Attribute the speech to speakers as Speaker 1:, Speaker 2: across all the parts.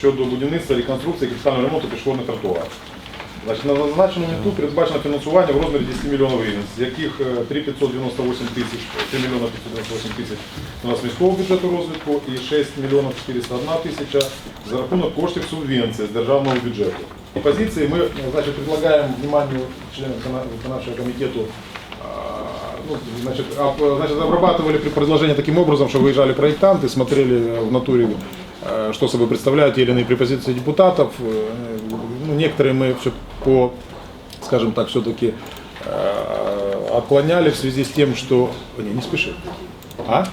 Speaker 1: Щодо будівництва, реконструкції, капітального ремонту пішохідних тротуарів. Значить, на зазначеному місту передбачено фінансування в розмірі 10 мільйонів гривень, з яких 3 мільйона 598 тисяч у нас міського бюджету розвитку і 6 мільйонів 401 тисяча за рахунок коштів субвенції з державного бюджету. І позиції ми, значить, предлагаємо вниманию членів виконавчого комітету. Значит, обрабатывали предложение таким образом, что выезжали проектанты, смотрели в натуре, что собой представляют те или иные препозиции депутатов. Ну, некоторые мы все по, скажем так, все-таки отклоняли в связи с тем, что... Не спеши. А?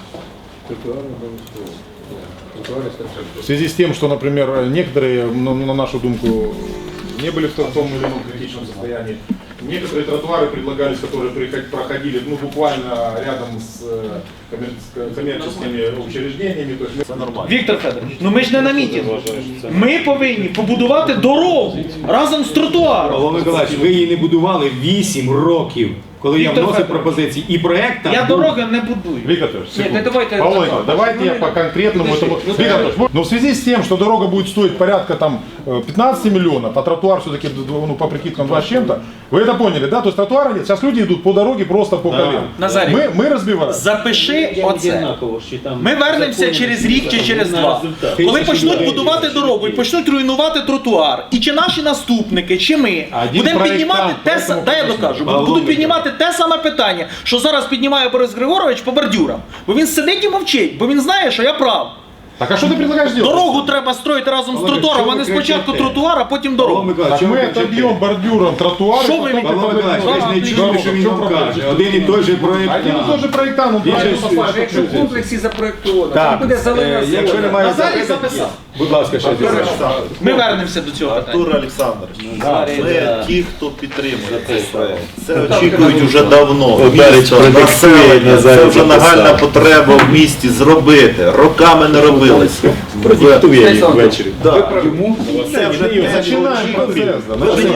Speaker 1: В связи с тем, что, например, некоторые, на нашу думку, не были в том или ином критичном состоянии. Некоторые тротуары предлагались, которые проходили буквально рядом с коммерческими учреждениями. То есть...
Speaker 2: Віктор Федорович, ну ми ж не на мітингу. Ми повинні побудувати дорогу разом з тротуаром.
Speaker 3: Павло Миколаївич, ви її не будували 8 років, коли я вносив пропозиції. І проект там
Speaker 2: Я
Speaker 3: був...
Speaker 2: дороги не будую.
Speaker 1: Виктор,
Speaker 2: Нет, давайте...
Speaker 1: Павел Николаевич, давайте я по конкретному этому... Но в связи с тем, что дорога будет стоить порядка там 15 миллионов, а тротуар все-таки по прикидкам 2 с чем-то, вы это поняли, да? То есть тротуара нет, сейчас люди идут по дороге просто по колен.
Speaker 2: Назарій,
Speaker 1: Мы разбиваем.
Speaker 2: Запиши оце. Ми вернемося через рік чи через 2. Коли почнуть будувати дорогу і почнуть руйнувати тротуар, і чи наші наступники, чи ми будемо піднімати те саме, дай я докажу, будуть піднімати те саме питання, що зараз піднімає Борис Григорович по бордюрам. Бо він сидить і мовчить, бо він знає, що я прав.
Speaker 1: Так а что ты предлагаешь делать?
Speaker 2: Дорогу треба строїти разом з тротуаром, а не спочатку тротуар, а потім дорогу.
Speaker 1: Так мы отобьем бордюром тротуар.
Speaker 2: Що ви
Speaker 3: Павло Миколаївич, ви ж не чули, що він вам каже. Один і той же проект.
Speaker 1: Один и тот же проектант, он
Speaker 4: Якщо в комплексі запроєктовано,
Speaker 3: Так,
Speaker 4: там буде зелена
Speaker 3: якщо
Speaker 4: зона.
Speaker 3: немає
Speaker 2: Назарій
Speaker 3: запитань,
Speaker 2: записав.
Speaker 3: будь ласка, ще один.
Speaker 2: Ми вернемося до цього питання.
Speaker 5: Артур Олександрович, ми ті, хто підтримує цей проект. Це очікують вже давно. Місто, населення, це вже нагальна потреба в місті зробити. Роками не робилось.
Speaker 3: Продиктує їх ввечері.
Speaker 5: Да. Це вже
Speaker 1: Начинаем процесс.